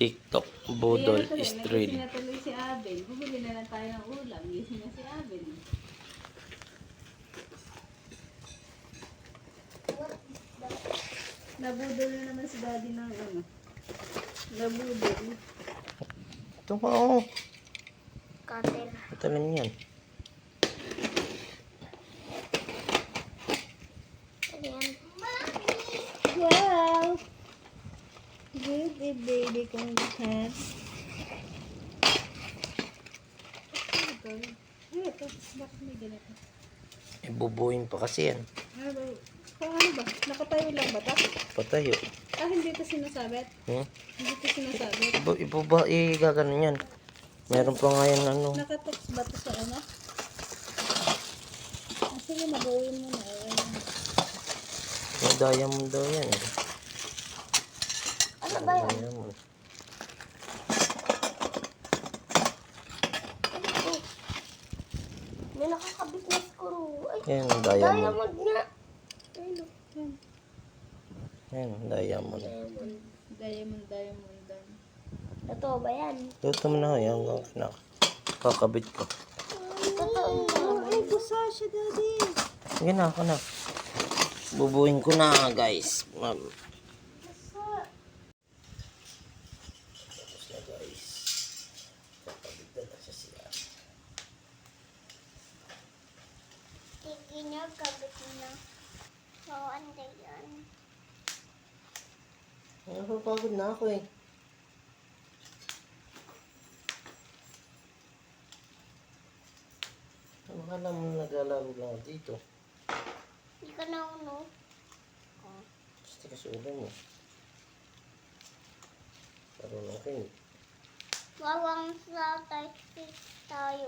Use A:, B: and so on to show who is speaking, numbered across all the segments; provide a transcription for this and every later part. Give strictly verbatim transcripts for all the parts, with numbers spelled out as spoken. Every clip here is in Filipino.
A: TikTok, budol,
B: Ayan, natuloy.
A: Israel.
B: Nagising na tuloy si Abel. Bumili na lang tayo ng ulam. Gising na si Abel. Nabudol na naman si daddy ng ano. Nabudol.
A: Ito pa oh.
C: Cutter.
A: Ito lang yan.
C: Ayan.
B: Wow! Good eh, baby kong lahat. Ay, ito. Bakit may ganito?
A: Ibubuhin pa kasi yan.
B: Ano ba? Kung ano ba? Nakatayo lang ba ito?
A: Patayo.
B: Ah, hindi ito sinasabit?
A: Hmm?
B: Hindi ito sinasabit?
A: Ibu, ibu ba, igaganon yan. Meron pa nga yan ano.
B: Nakatoks ba ito sa ano? Ah, sige, nagawin mo na. Ayan.
A: May diamond daw yan. Eh.
C: Ano ba yan?
A: Diamond.
C: May nakakabit na screw. Ay,
A: Yan, diamond.
C: diamond nga. Ayun o.
B: Yan.
A: Yan, diamond.
C: Diamond.
B: Diamond, diamond, diamond.
C: Totoo ba yan?
A: Luto mo na yan. Na, kakabit ko.
C: Totoo
B: Oh, ay, busa siya, daddy.
A: Sige na, ako na. Bubuhin ko na, guys. Ma'am. Tapos na, guys. Kakabit na na siya siya.
C: Sige niya, kabit na. Oo, anday yan.
A: Napapagod na ako eh. Akala mo naglalaro lang ako dito.
C: Hindi ka na uno.
A: Gusto ka sa ulo mo. Parang okay.
C: Wawang sa tayo. tayo.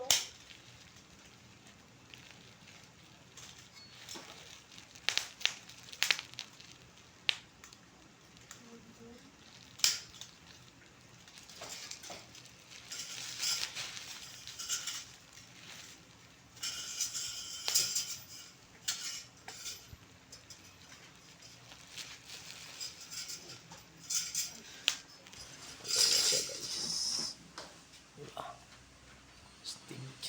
A: Siya guys. Ah. Stage.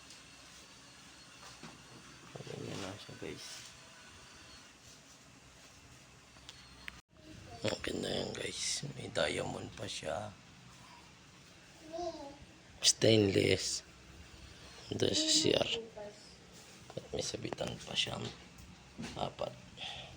A: Ganyan na siya guys. Okay na yan guys. May diamond pa siya. Stainless. Ito sa C R. At may sabitan pa siya. Apat.